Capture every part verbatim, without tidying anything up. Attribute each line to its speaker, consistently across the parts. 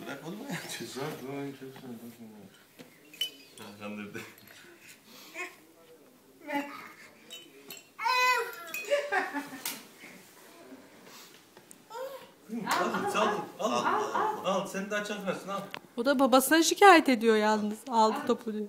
Speaker 1: Bırak onu mu yapacağız?
Speaker 2: Kandırdı. Al, sal, al, al, al, al. Sen daha çakmasın, al.
Speaker 3: O da babasına şikayet ediyor yalnız. Aldı topu diyor.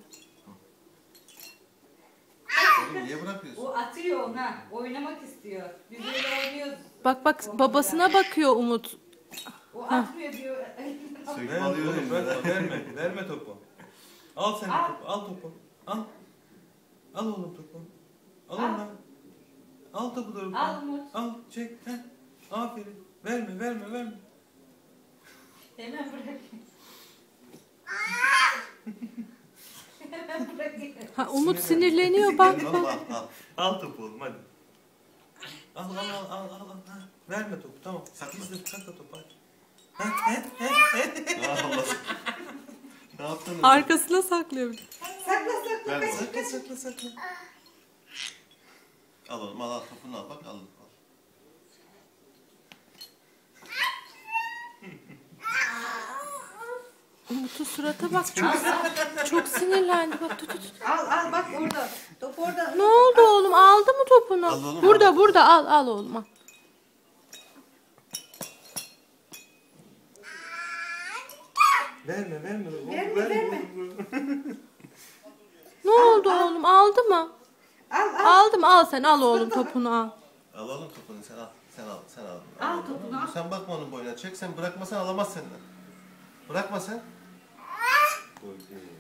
Speaker 1: Oğlum niye bırakıyorsun?
Speaker 4: O atıyor ona. Oynamak istiyor. Biz öyle oynuyoruz.
Speaker 3: Bak bak babasına bakıyor Umut.
Speaker 4: O atmıyor diyor.
Speaker 1: Söküp
Speaker 2: Verme,
Speaker 1: alıyor
Speaker 2: oğlum,
Speaker 1: elimden.
Speaker 2: verme, verme, verme topu. Al sen
Speaker 4: Al.
Speaker 2: topu, al topu. Al. Al oğlum topu. Al
Speaker 4: Al.
Speaker 2: onu. Al topu doğru.
Speaker 4: Al Umut.
Speaker 2: Al, çek. Heh. Aferin. Verme, verme, verme.
Speaker 4: Hemen bırakayım. Hemen bırakayım.
Speaker 3: Ha, Umut sinirleniyor bak
Speaker 1: Al,
Speaker 3: bak.
Speaker 1: al, al.
Speaker 2: Al topu oğlum, hadi. Al, al, al, al, al, al. Ha, verme topu, tamam. Gizli, sakla topu, hadi. Ha, he, he, he.
Speaker 1: Allah. Ne yaptın?
Speaker 3: Arkasına saklıyor.
Speaker 4: Sakla sakla.
Speaker 1: Ver bana.
Speaker 2: Sakla, sakla, sakla.
Speaker 1: Al oğlum, al, al. Topunu al, bak al. al.
Speaker 3: Umut'un surata bak çok çok sinirlendi. Bak tut tut. tut.
Speaker 4: Al al bak orada. Top orada.
Speaker 3: Ne oldu oğlum? Aldı mı topunu?
Speaker 1: Al oğlum,
Speaker 3: burada
Speaker 1: al.
Speaker 3: burada al al oğlum al.
Speaker 2: Verme, verme. Oğlum,
Speaker 4: Verme,
Speaker 2: verme.
Speaker 3: Ne oldu oğlum? Aldı mı?
Speaker 4: Al al.
Speaker 3: Aldım al sen al oğlum topunu al.
Speaker 1: Al oğlum topunu, sen al. Sen al, sen al.
Speaker 4: Al
Speaker 1: oğlum.
Speaker 4: topunu, al.
Speaker 1: Sen bakma onun boyuna. Çek, sen bırakmasan alamaz senden. Bırakma sen.
Speaker 2: Koy, koy.